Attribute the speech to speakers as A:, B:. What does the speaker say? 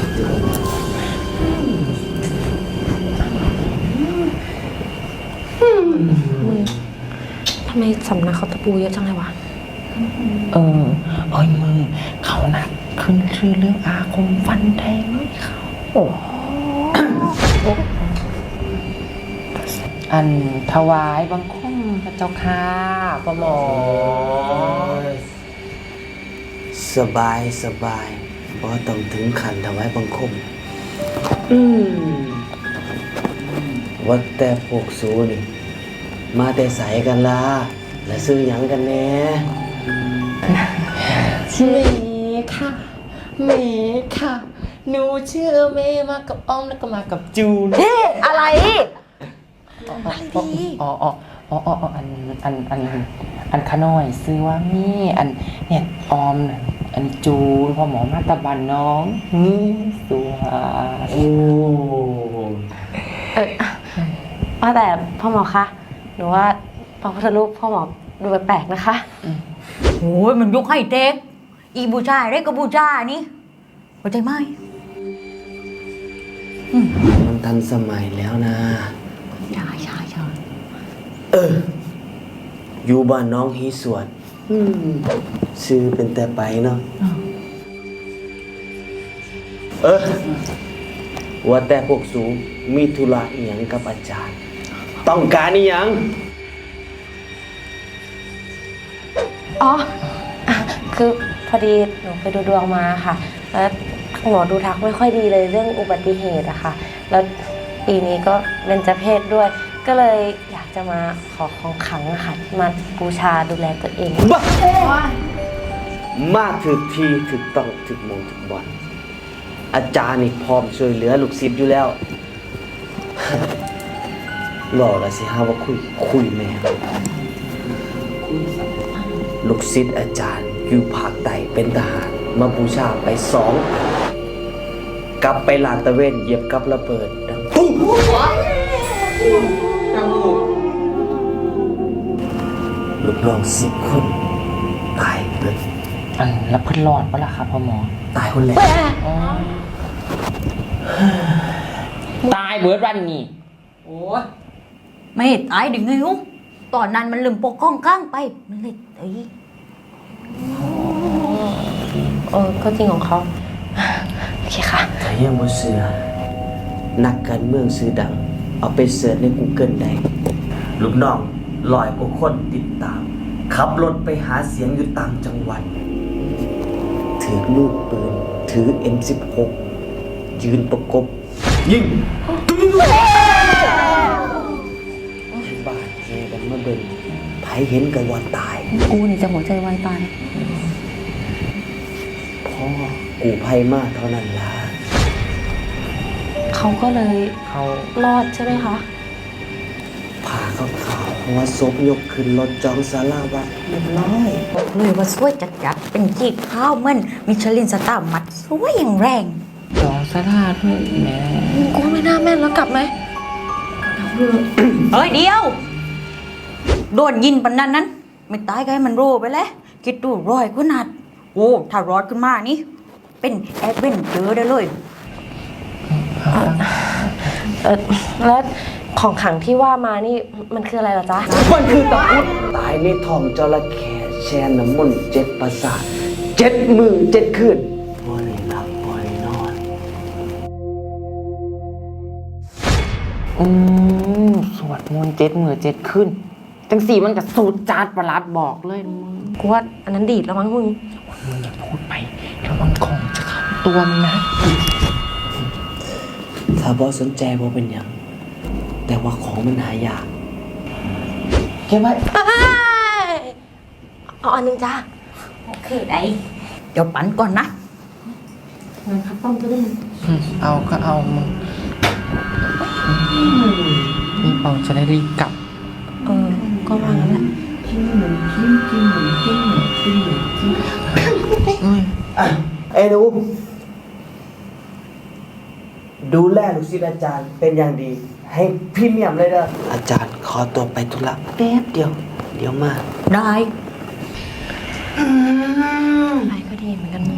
A: มึงทำไมสำนักเขาตะปูเยอะจังเลยวะ
B: เฮ้ยมึงเขานะขึ้นชื่อเรื่องอาคมฟันแทงเลยเขาอันถวายบังคมพระเจ้าค่ะพ่อหมอ
C: สบายบ่ต้องถึงขันถวายบังคมว่าแต่พวกสูนี่มาแต่ใสกันล่ะและซื้อหยังกันแน่
B: เมค่ะเมค่ะหนูชื่อเมมากับอ้อมแล้วก็มากับจูน
A: อะไร
B: อันขน้อยซื้อว่ามีอันเนี่ยออมอันจูนพ่อหมอมาตะบันน้องสัว
C: โอ้
A: ว่าแต่พ่อหมอคะหนูว่าพระพุทธรูปพ่อหมอดูแปลกๆนะคะ
D: โอ้ยมันยกให้เด็กอีบูชาเด็กก็บูชานี่เข้าใจไหม
C: มันทันสมัยแล้วนะ
D: ใช่
C: อยู่บ้านน้องฮีสวดซื้อเป็นแต่ไปเนาะว่าแต่พวกสูมีธุระอีหยังกับอาจารย์ต้องการอีหยัง
A: คือพอดีหนูไปดูดวงมาค่ะแล้วหมอดูทักไม่ค่อยดีเลยเรื่องอุบัติเหตุอะค่ะแล้วปีนี้ก็เบญจเพศด้วยก็เลยอยากจะมาขอของขลังค่ะมาบูชาดูแลตัวเอง
C: มาถึกทีถึกต้องถึกมงถึกบอลอาจารย์นี่พร้อมช่วยเหลือลูกศิษย์อยู่แล้วหล่อละสิฮะว่าคุยแม่ลูกศิษย์อาจารย์อยู่ภาคใต้เป็นทหารมาบูชาไป2กลับไปลาดตะเวนเหยียบกับระเบิดดังปุ๊บลูกน้อง10 คนตายเบิด
B: อันแล้วเพิ่นรอดปะล่ะครับพ่อหมอ
C: ตายคนแรก
B: ตายเบิดวันนี้
D: โอ้ยไม่ตายดึงไงฮุตอนนั้นมันลืมปกก้องข้างไปมันเลย
A: ก็จริงของเขาโอเคค่ะ
C: ถ้ายังบ่เชื่อนักการเมืองชื่อดังเอาไปเสิร์ชใน Google ได้ลูกน้อง100 กว่าคนติดตามขับรถไปหาเสียงอยู่ต่างจังหวัดถือลูกปืนถือ M16 ยืนประกบยิงบ้าเฮกันมาเบิ่งไผเห็นกันว่าตาย
A: กูนี่จะหัวใจวายตาย
C: พ่อกูภัยมากเท่านั้นล่ะ
A: เขาก็เลยรอดใช่ไหมคะ
C: ผ่าขาวเพราะว่าศพยกขึ้นรถจองศาลาวัดเรียบร้อย
D: บอกเลยว่าสวยจัดเป็นจีบข้าวมันมิชลินสตาร์มัดสวยอย่างแรง
B: จองสลาดด้วยแม่
A: กูไม่น่าแม่นแล้วกลับไหม
D: เฮ้ยเดียวโดนยินปันนั้นไม่ตายก็ให้มันรู้ไปแล้วคิดดูรอยขนาดโอ้ถ้ารอดขึ้นมานี่เป็นแอดเวนเจอร์ได้เลย
A: แล้วของขังที่ว่ามานี่มันคืออะไรเหรอจ๊ะ
C: มันคือตะพุดตายในท้องจระเข้แช่น้ำมนต์7 ประสาท7 มื้อ7 คืนบ่ได้หลับบ่ได้นอน
B: สวดมนต์7 มื้อ7 คืนจังสีมันก็สูตรจาดประหลาดบอกเลยมึง
A: กูว่าอันนั้นดีดแล้วมั้งมึง
B: อย่าพูดไประวังของจะเข้าตัวมึงนะ
C: ถ้าบ่สนใจบ่เป็นหยังแต่ว่าของมันหายาก
B: เก็บไว้
A: เอาอันนึงจ้า
D: โอเคได้เดี๋ยวปั่นก่อนนะ
A: งั้นครับต้องก็ได้
B: เอาก็เอามึงนี่เปาจะได้รีบกลับ
A: ก็วางแล้วแหละ
C: ไอ้หนูดูแลลูกศิษย์อาจารย์เป็นอย่างดีให้พรีเมียมเลยเด้ออาจารย์ขอตัวไปธุระแป๊บเดียวมา
D: ได้
A: ไปก็ดีเหมือนกัน